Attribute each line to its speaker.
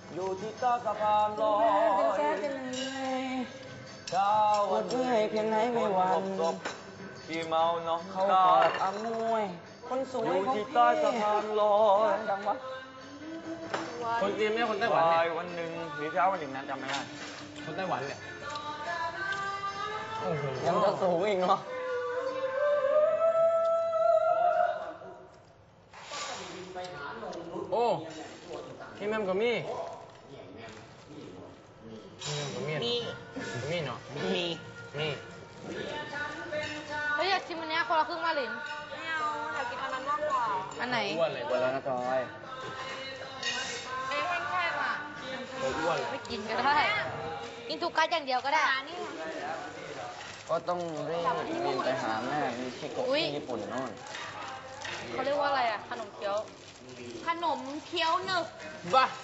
Speaker 1: อยู่ที่ใต้สะพานลอยเช้าวันเมื่อยเพียงไหนไม่หวันที่เมาน้องเขากอดอำนวยคนสวยอยู่ที่ใต้สะพานลอยดังวะ
Speaker 2: คนจีนไม่ใช่คนไต้หวันเนี่ย
Speaker 1: วันหนึ่งหรือเช้าวันหนึ่งนะจำไม่ได้
Speaker 2: คนไต้หวันเนี่ยโอ้โห
Speaker 1: ยังจะสูงอีกเนาะ
Speaker 2: โอ้พี่แม่มกับมี่มี่เนาะมี
Speaker 3: เฮ้ยอยากชิมอันเนี้ยคนละครึ่งมาลิน
Speaker 4: ไม่เอาอยากกินอันนั้นมากกว่า
Speaker 3: อันไหน
Speaker 2: อ้วนเลย
Speaker 1: วันแล้วนะจอย
Speaker 3: เอ้ยแค่ๆอ่ะ
Speaker 2: อ้วนเลย
Speaker 3: ไม่กินก็ได้กินทุกกัดอย่างเดียวก็ได้
Speaker 1: ก็ต้องรีบบินไปหาแม่มีชิโกะที่ญี่ปุ่นโน่น
Speaker 3: เขาเรียกว่าอะไรอ่ะขนมเคี้ยว
Speaker 4: ขนมเคี้ยวหนึบ
Speaker 2: บ้า